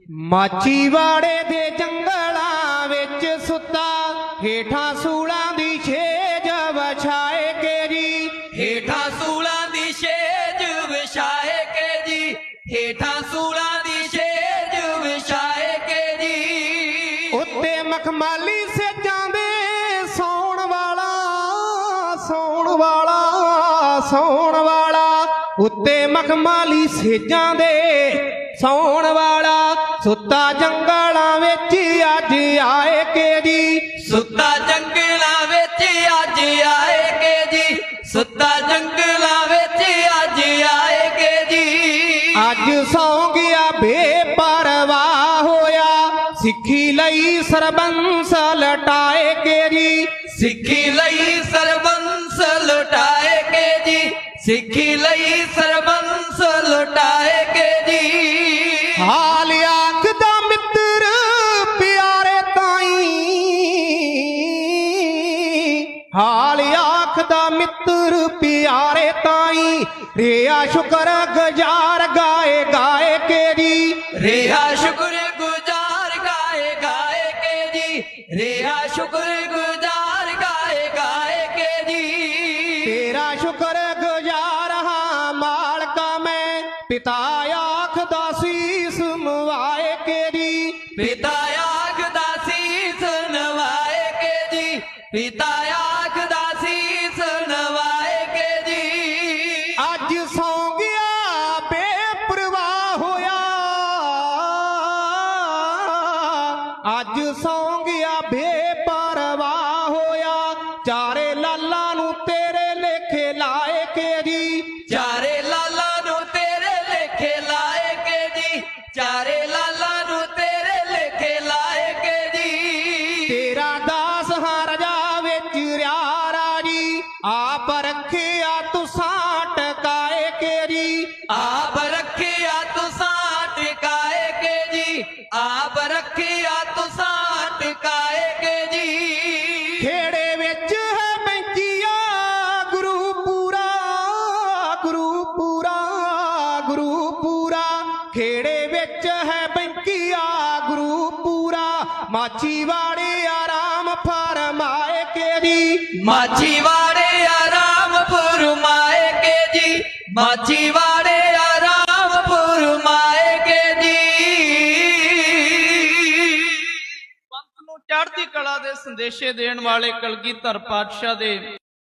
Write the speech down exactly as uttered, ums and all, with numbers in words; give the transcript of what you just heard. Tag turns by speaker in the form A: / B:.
A: ਮਾਚੀਵਾੜੇ ਦੇ ਜੰਗਲਾਂ ਵਿੱਚ ਸੁੱਤਾ ਹੇਠਾਂ ਸੂਲਾਂ ਦੀ ਛੇਜ ਵਿਛਾਏ ਕੇ ਜੀ,
B: ਹੇਠਾਂ ਸੂਲਾਂ ਦੀ ਛੇਜ ਵਿਛਾਏ ਕੇ ਜੀ, ਹੇਠਾਂ ਸੂਲਾਂ ਦੀ ਛੇਜ ਵਿਛਾਏ ਕੇ ਜੀ।
A: ਉੱਤੇ ਮਖਮਾਲੀ ਸੇਜਾਂ ਦੇ ਸੌਣ ਵਾਲਾ ਸੌਣ ਵਾਲਾ ਸੌਣ ਵਾਲਾ, ਉੱਤੇ ਮਖਮਾਲੀ ਸੇਜਾਂ ਦੇ ਸੌਣ ਵਾਲਾ, ਸੁੱਤਾ ਜੰਗਲਾਂ ਵਿੱਚ ਅੱਜ ਆਏ ਕੇ ਜੀ,
B: ਸੁੱਤਾ ਜੰਗਲਾਂ ਵਿੱਚ ਅੱਜ ਆਏ ਕੇ ਜੀ, ਸੁੱਤਾ ਜੰਗਲਾਂ ਵਿੱਚ ਅੱਜ ਆਏ ਕੇ ਜੀ।
A: ਅੱਜ ਸੌਂ ਗਿਆ ਬੇਪਰਵਾਹ ਹੋਇਆ, ਸਿੱਖੀ ਲਈ ਸਰਬੰਸ ਲਟਾਏ ਕੇ ਜੀ,
B: ਸਿੱਖੀ ਲਈ ਸਰਬੰਸ ਲੁਟਾਏ ਕੇ ਜੀ, ਸਿੱਖੀ ਲਈ ਸਰਬੰਸ ਲੁਟਾਏ ਕੇ ਜੀ।
A: ਹਾਲ ਆਖਦਾ ਮਿੱਤਰ ਪਿਆਰੇ ਤਾਈ, ਹਾਲ ਆਖਦਾ ਮਿੱਤਰ ਪਿਆਰੇ ਤਾਈ, ਰਿਆ ਸ਼ੁਕਰ ਗੁਜ਼ਾਰ ਗਾਏ ਗਾਏ ਕੇ ਜੀ,
B: ਰਿਹਾ ਸ਼ੁਕਰ ਗੁਜ਼ਾਰ ਗਾਏ ਗਾਏ ਕੇ ਜੀ, ਰਿਹਾ ਸ਼ੁਕਰ ਗੁਜ਼ਾਰ ਗਾਏ ਗਾਏ ਕੇ ਜੀ।
A: ਤੇਰਾ ਸ਼ੁਕਰ ਗੁਜ਼ਾਰ ਹਾਂ ਮਾਲਕਾ ਮੈਂ, ਪਿਤਾ ਆਖਦਾ ਸੀਸ ਨਵਾਏ ਕੇ ਜੀ,
B: ਪਿਤਾ ਆਖਦਾ ਸੀਸ ਨਵਾਏ ਕੇ ਜੀ, ਪਿਤਾ ਆਖਦਾ ਸੀਸ ਨਵਾਏ ਕੇ ਜੀ।
A: ਅੱਜ ਸੌਂ ਗਿਆ ਬੇਪਰਵਾਹ ਹੋਇਆ, ਅੱਜ ਸੌਂ ਗਿਆ ਬੇਪਰਵਾਹ ਹੋਇਆ, ਚਾਰੇ ਲਾਲਾਂ ਨੂੰ ਤੇਰੇ ਲੇਖੇ ਲਾਏ ਕੇ ਜੀ,
B: ਚਾਰੇ ਲਾਲਾਂ ਨੂੰ ਤੇਰੇ ਲੇਖੇ ਲਾਏ ਕੇ ਜੀ, ਚਾਰੇ ਲਾਲਾਂ ਨੂੰ ਤੇਰੇ ਲੇਖੇ ਲਾਏ ਕੇ ਜੀ।
A: ਤੇਰਾ ਦਾਸ ਹਾਂ ਰਜਾ ਵਿੱਚ ਰਿਆ ਰਾਜੀ, ਆਪ ਰੱਖਿਆ ਤੁਸਾਂ ਟਕਾਏ ਕੇ ਜੀ,
B: ਆਪ ਰੱਖਿਆ ਤੁਸਾਂ ਟਿਕਾਏ ਕੇ ਜੀ, ਆਪ ਰੱਖਿਆ ਤੁਸਾਂ ਟਿਕਾਏ ਕੇ ਜੀ।
A: ਖੇੜੇ ਵਿੱਚ ਹੈ ਬੈਂਚੀਆ ਗੁਰੂ ਪੂਰਾ, ਗੁਰੂ ਪੂਰਾ, ਗੁਰੂ ਪੂਰਾ, ਖੇੜੇ ਵਿੱਚ ਹੈ ਬੈਂਚੀਆ ਗੁਰੂ ਪੂਰਾ, ਮਾਚੀਵਾੜੇ ਆਰਾਮ ਫਰਮਾਏ ਕੇ ਜੀ,
B: ਮਾਚੀਵਾੜੇ ਆਰਾਮ ਫਰਮਾਏ ਕੇ ਜੀ, ਮਾਚੀਵਾੜੇ ਆਰਾਮ ਫਰਮਾਏ ਕੇ ਜੀ।
C: ਪੰਥ ਨੂੰ ਚੜ੍ਹਦੀ ਕਲਾ ਦੇ ਸੰਦੇਸ਼ੇ ਦੇਣ ਵਾਲੇ ਕਲਗੀਧਰ ਪਾਤਸ਼ਾਹ ਦੇ